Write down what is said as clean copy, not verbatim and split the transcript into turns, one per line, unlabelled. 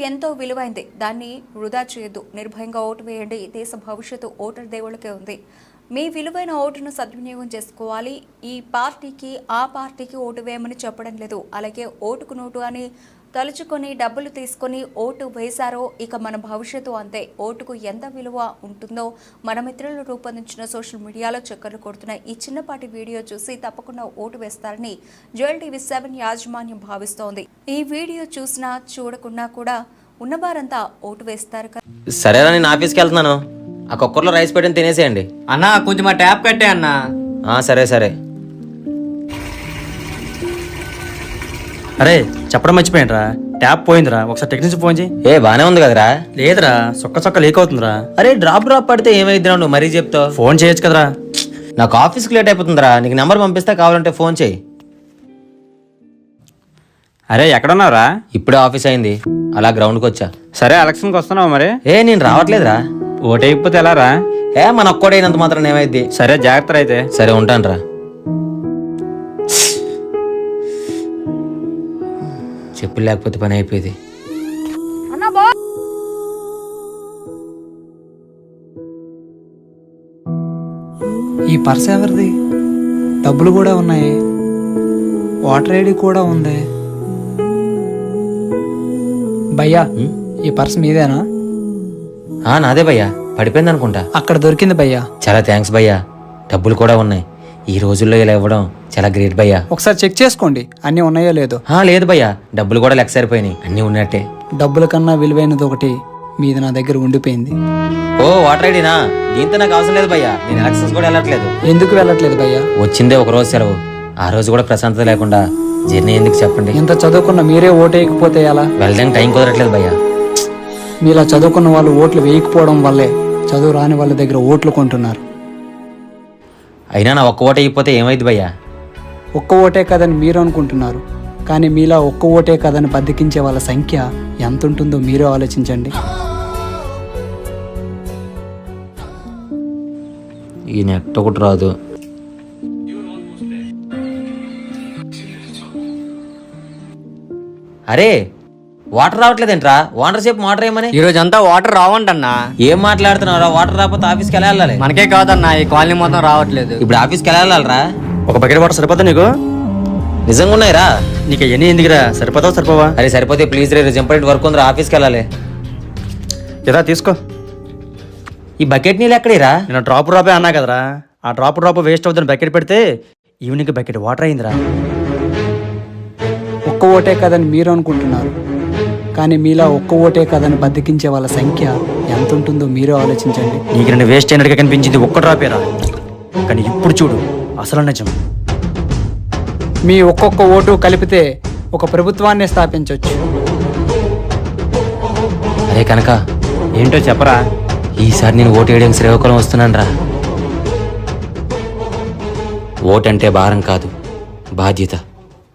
ఎంతో విలువైంది. దాన్ని వృధా చేయొద్దు. నిర్భయంగా ఓటు వేయండి. దేశ భవిష్యత్తు ఓటర్ దేవుళ్ళకే ఉంది. మీ విలువైన ఓటును సద్వినియోగం చేసుకోవాలి. ఈ పార్టీకి ఆ పార్టీకి ఓటు వేయమని చెప్పడం లేదు. అలాగే ఓటుకు నోటు అని తలుచుకొని డబ్బులు తీసుకొని ఓటు వేశారో ఇక మన భవిష్యత్తు అంతే. ఓటుకు ఎంత విలువ ఉంటుందో మన మిత్రులు రూపొందించిన సోషల్ మీడియాలో చక్కర్లు కొడుతున్న ఈ చిన్నపాటి వీడియో చూసి తప్పకుండా ఓటు వేస్తారని జోయల్ టీవీ 7 యాజమాన్యం భావిస్తోంది. ఈ వీడియో చూసినా చూడకున్నా కూడా ఉన్నవారంతా ఓటు వేస్తారు కదా.
సరేనా, నేను ఆఫీస్కి వెళ్తున్నాను. ఆ కుక్కర్లో రైస్ పెట్టని తినేసేయండి.
అన్నా కొంచెం ఆ ట్యాప్ కట్టే అన్నా.
సరే సరే.
అరే చెప్పడం మర్చిపోయినరా, ట్యాప్ పోయిందిరా. ఒకసారి టెక్నీషియన్ ఫోన్ చేయి.
బానే ఉంది కదరా?
లేదురా, సొక్క లీక్ అవుతుందిరా.
అరే డ్రాప్ పడితే ఏమైద్దిరా, నువ్వు మరీ చెప్తావు.
ఫోన్ చేయొచ్చు కదరా.
నాకు ఆఫీస్కి లేట్ అయిపోతుందిరా. నీకు నెంబర్ పంపిస్తే కావాలంటే ఫోన్ చేయి.
అరే ఎక్కడున్నావురా?
ఇప్పుడే ఆఫీస్ అయింది, అలా గ్రౌండ్కి వచ్చా.
సరే ఎలక్షన్కి వస్తున్నావు మరి?
నేను రావట్లేదురా.
ఓటైపోతే ఎలా రా?
మన ఒక్కడైనంత మాత్రం ఏమైద్ది.
సరే జాగ్రత్త అయితే.
సరే ఉంటాను రా. చెప్పులు లేకపోతే పని అయిపోయింది.
ఈ పర్స్ ఎవరిది? డబ్బులు కూడా ఉన్నాయి, వాటర్ ఐడి కూడా ఉంది. భయ్యా ఈ పర్స్ మీదేనా?
నాదే భయ్యా, పడిపోయింది అనుకుంటా.
అక్కడ దొరికింది భయ్యా.
చాలా థ్యాంక్స్ భయ్యా. డబ్బులు కూడా ఉన్నాయి. ఈ రోజుల్లో ఇలా ఇవ్వడం చాలా గ్రేట్ భయ్యా.
ఒకసారి చెక్ చేసుకోండి అన్నీ ఉన్నాయో లేదో.
లేదు భయ్యా, డబ్బులు కూడా లెక్క సరిపోయినాయి. అన్నీ ఉన్నట్టే.
డబ్బుల కన్నా విలువైనది ఒకటి మీది నా దగ్గర ఉండిపోయింది.
వాటర్ ఐడినా? దీంతో నాకు అవసరం లేదు భయ్యా. నేను ఎలక్షన్స్ కూడా వెళ్ళట్లేదు.
ఎందుకు వెళ్ళట్లేదు భయ్యా?
వచ్చిందే ఒక రోజు సెలవు. ఆ రోజు కూడా ప్రశాంతత లేకుండా జర్నీ ఎందుకు చెప్పండి.
ఇంత చదువుకున్న మీరే ఓటు వేయకపోతే ఎలా?
వెళ్ళడానికి టైం కుదరట్లేదు భయ్యా.
మీలా చదువుకున్న వాళ్ళు ఓట్లు వేయకపోవడం వల్లే చదువు రాని వాళ్ళ దగ్గర ఓట్లు కొంటున్నారు.
అయినా నా ఒక్క ఓటు అయిపోతే ఏమైంది భయ్యా?
ఒక్క ఓటే కదని మీరు అనుకుంటున్నారు, కానీ మీలా ఒక్క ఓటే కదని బద్దకించే వాళ్ళ సంఖ్య ఎంత ఉంటుందో మీరే ఆలోచించండి.
ఈ నెట్ ఒకటి రాదు. అరే వాటర్ రావట్లేదేంట్రా? వాటర్ సేపు వాటర్ ఏమని?
ఈ రోజు అంతా వాటర్ రావంటన్నా.
ఏం మాట్లాడుతున్నారా? వాటర్ రాకపోతే ఆఫీస్కి వెళ్ళాలి.
మనకే కాదన్నా, ఈ కాలనీ మొత్తం రావట్లేదు.
ఇప్పుడు ఆఫీస్కి వెళ్ళాలరా?
ఒక బకెట్ వాటర్ సరిపోతా నీకు?
నిజంగా ఉన్నాయిరా?
నీకు ఎన్ని ఎందుకురా? సరిపోతావు సరిపోవా?
అరే సరిపోతే ప్లీజ్ రే, ఇంపార్టెంట్ వర్క్ ఉందిరా, ఆఫీస్కి వెళ్ళాలి.
ఏదా తీసుకో.
ఈ బకెట్ నీళ్ళు ఎక్కడేరా?
నేను డ్రాప్ అన్నా కదరా. ఆ డ్రాప్ వేస్ట్ అవుతుంది. బకెట్ పెడితే ఈవినింగ్ బకెట్ వాటర్ అయిందిరా.
ఒక్క ఓటే కదని మీరు అనుకుంటున్నారు, కానీ మీలా ఒక్క ఓటే కదని బద్దకించే వాళ్ళ సంఖ్య ఎంత ఉంటుందో మీరే ఆలోచించండి.
నీకు నేను వేస్ట్ అయినట్టుగా కనిపించింది ఒక్క డ్రాపేరా, కానీ ఇప్పుడు చూడు అసలు నిజం.
మీ ఒక్కొక్క ఓటు కలిపితే ఒక ప్రభుత్వాన్ని స్థాపించవచ్చు.
అరే కనుక
ఏంటో చెప్పరా?
ఈసారి నేను ఓటు వేయడానికి శ్రీకాకుళం వస్తున్నాను రా. ఓటు అంటే భారం కాదు, బాధ్యత.